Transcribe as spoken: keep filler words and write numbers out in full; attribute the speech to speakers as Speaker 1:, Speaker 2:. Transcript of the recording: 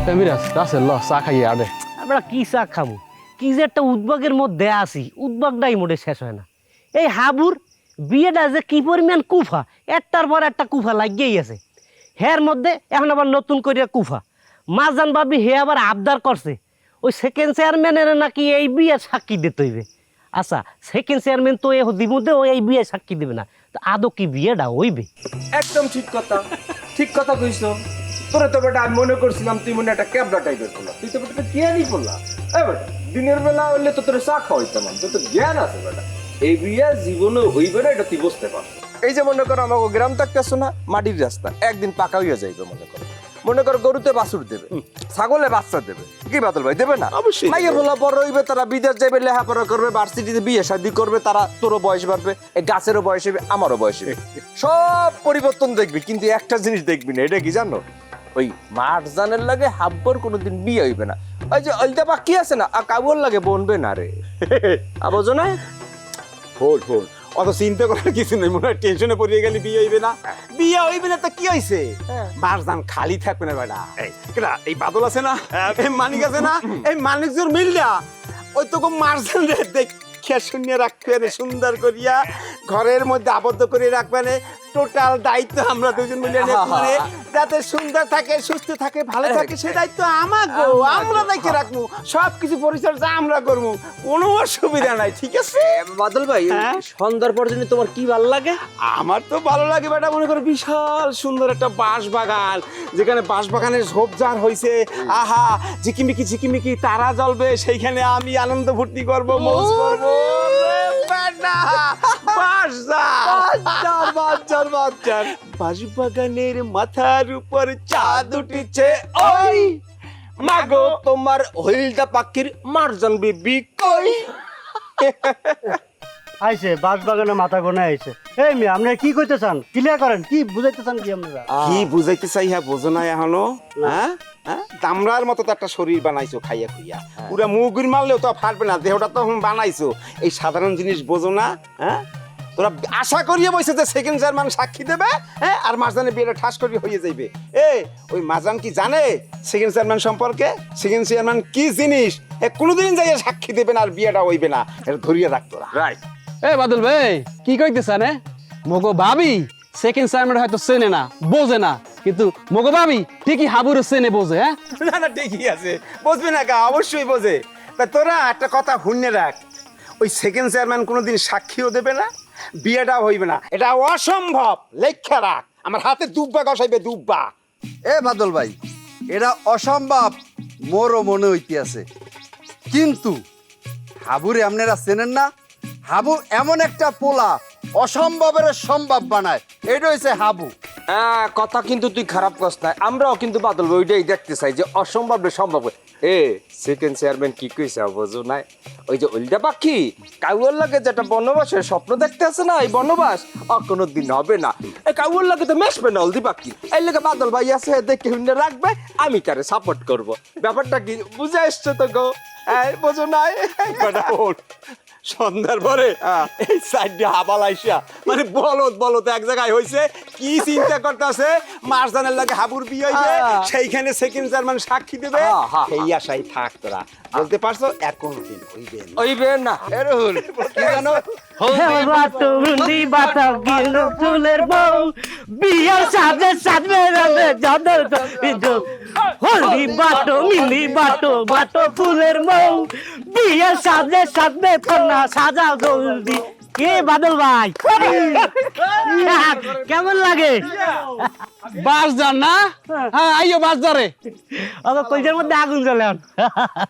Speaker 1: মিরাজ রাসেল ল চা খাইয়ে আরে।
Speaker 2: আমরা কি চা খাবো, কি যে একটা উদ্বাগের মধ্যে আছি, উদ্বাগটাই মোটে শেষ হয় না। এই হাবুর বিয়েটা যে কি পরিমাণ কুফা, একটার পর একটা কুফা লাগিয়েই আছে। হের মধ্যে এখন আবার নতুন করে কুফা। মাজান বাবি হে আবার আবদার করছে ওই সেকেন্ড চেয়ারম্যানের নাকি এই বিয়ে সাক্ষী দিতে হইবে। আচ্ছা, সেকেন্ড চেয়ারম্যান তো এই দিমুদে ও এই বিয়ে সাক্ষী দেবে না, তো আদৌ কি বিয়েটা হইবে?
Speaker 3: একদম ঠিক কথা, ঠিক কথা কইছো। তোরা তো বেটা আমি মনে করছিলাম তুই মনে একটা ক্যাবলা টাইপের করলা, তুই তো বেটা জ্ঞানই করলা। এই বেটা দিনের বেলা হইলে তো তোর চা খাওয়াইতাম, তোর তো জ্ঞান আছে বেটা। এই বিয়ে জীবনে হইবে না এটা তুই বুঝতে পার। এই যে মনে করো আমাকে গ্রাম থাকতেছো না, মাটির রাস্তা একদিন পাকা হইয়া যাইবে। মনে করো মনে করো গরুতে বাছুর দেবে, ছাগলে বাচ্চা দেবে, কি বাদল ভাই দেবে না? অবশ্যই মাইয়া বলা বড় হইবে, তারা বিদেশ যাবে, লেখাপড়া করবে, ভার্সিটিতে বিয়ে শাদী করবে, তারা তোরও বয়স বাড়বে, এই গাছেরও বয়স হবে, আমারও বয়স হবে, সব পরিবর্তন দেখবি। কিন্তু একটা জিনিস দেখবি না, এটা কি জানো? ওই মাঠ জানের লাগে হাব্বর কোনোদিন বিয়ে হইবে না। ওই যে অলটা বাকি আছে না, কাবুর লাগে বনবে না রে। আবজো না
Speaker 4: ফোন ফোন অত চিন্তা করার কিছু নেই, মনে হয় টেনশনে পড়িয়ে গেলে বিয়ে হইবে না। বিয়ে হইবে না তা কি হইছে, বারজান খালি থাকবে না বেটা। কেডা এই বাদল আছে না, এই মানিক আছে না, এই মানিকজোর মিললা ওই তো মারজান রে দেখিয়া শুনিয়া রাখবে, সুন্দর করিয়া ঘরের মধ্যে আবদ্ধ করে রাখবে। টোটাল দায়িত্ব আমরা দুজন মিলে নেব, যাতে সুন্দর থাকে, সুস্থ থাকে, ভালো থাকে, সে দায়িত্ব আমাগো, আমরা দেখে রাখবো, সবকিছু পরিচর্যা আমরা করবো, কোনো অসুবিধা নাই। ঠিক আছে
Speaker 3: বাদল ভাই, সন্ধ্যার পর জন্য তোমার কি ভালো লাগে?
Speaker 4: আমার তো ভালো লাগে বেটা, মনে করো বিশাল সুন্দর একটা বাঁশ বাগান, যেখানে বাঁশ বাগানের ঝোপঝাড় হয়েছে, আহা ঝিকিমিকি ঝিকিমিকি তারা জ্বলবে, সেইখানে আমি আনন্দ ফুর্তি করবো, মৌজ করবো। বাঁশ বাগানের মাথার উপর চাঁদ উঠেছে, ওই মাগো তোমার হইলদা পাখির মারজান বিবি কই?
Speaker 5: আইছে বাস বাগানে মাথা গোনা আইছে। এই মেয়ে আপনারা কি কইতে চান, ক্লিয়ার করেন, কি বুঝাইতে চান কি আপনারা?
Speaker 4: কি বুঝাইতে চাই হ্যাঁ বোঝো না এখনো? হ্যাঁ হ্যাঁ দামড়ার মতো তো একটা শরীর বানাইছো খাইয়া খুইয়া, পুরা মুগুর মারলেও তো ফাটবে না, দেহটা তো বানাইছো, এই সাধারণ জিনিস বোঝো না? হ্যাঁ তোরা আশা করিয়ে বসে যে সেকেন্ড চেয়ারম্যান সাক্ষী দেবে, হ্যাঁ আর মাঝখানে বিয়েটা ঠাস করিয়ে হয়ে যাইবে। এ ওই মাজান কি জানে সেকেন্ড চেয়ারম্যান সম্পর্কে? সেকেন্ড চেয়ারম্যান কি জিনিস এ কোনোদিন যাইয়া সাক্ষী দেবে না, আর বিয়েটা হইবে না, এটা ধরিয়ে রাখতো না।
Speaker 3: রাইট।
Speaker 1: এ বাদল ভাই কি কইতেছেন? মগো ভাবি সেকেন্ড চেয়ারম্যান হয়তো চেনে না, বোঝে না, কিন্তু মগো ভাবি ঠিকই হাবুরে চেনে, বোঝে। হ্যাঁ
Speaker 4: না না ঠিকই আছে, বুঝবে না কা, অবশ্যই বোঝে। তা তোরা একটা কথা শুনে রাখ, ওই সেকেন্ড চেয়ারম্যান কোনোদিন সাক্ষীও দেবে না, বিয়েটাও হইবে না, এটা অসম্ভব। লেখা রাখ, আমার হাতে দুব্বা গসাইবে, দুব্বা।
Speaker 6: এ বাদল ভাই, এটা অসম্ভব মোরও মনে হইতে আছে, কিন্তু হাবুরে আপনারা চেনেন না। হাবু এমন একটা পোলা, অসম্ভবের সম্ভব বানায়, এটা হইছে হাবু।
Speaker 3: হ্যাঁ কথা কিন্তু তুই খারাপ করছ না, আমরাও কিন্তু বাদল ভাই ওইটাই দেখতে চাই যে অসম্ভব সম্ভব। এ সেকেন্ড চেয়ারম্যান কি কইছে বোঝো নাই? ওই যে উল্টা পাখি কাউয়ার লাগে যেটা বনবাসের স্বপ্ন দেখতে আছে না, এই বনবাস আর কোনোদিন হবে না। এই কাউয়ার লাগে তো মেশবে না হলদি পাখি, এই লাগে বাদল ভাই আছে দেখে হুন্ডে রাখবে, আমি তারে সাপোর্ট করব। ব্যাপারটা কি বুঝে এসছো তো গো? হ্যাঁ বোঝো নাই?
Speaker 4: সন্ধ্যার পরে এই সাইডে হাবাল আইসা মানে বলদ বলদ এক জায়গায় হইছে, কি চিন্তা করতেছে মারজানের লাগে হাবুর বিয়ে হইবে, সেইখানে সেকেন্ড চেয়ারম্যান সাক্ষী দেবে, সেই আশাই থাক। তোরা বলতে পারছো এখন দিন হইবে না।
Speaker 3: হইবে না এরহুল কি জানো?
Speaker 2: তুমি বাতাও গিল ফুলের বউ, বিয়ার সাথে সাথে রবে যাদের হলদি বাটো মিলি বাটো বাটো ফুলের বউ, বিয়ার সাথে সাথে কন্যা সাজাও জলদি। কে বাদল ভাই কেমন লাগে?
Speaker 1: বাস যান না? হ্যাঁ আইও বাস যারে,
Speaker 2: আমার কলজের মধ্যে আগুন জ্বলে।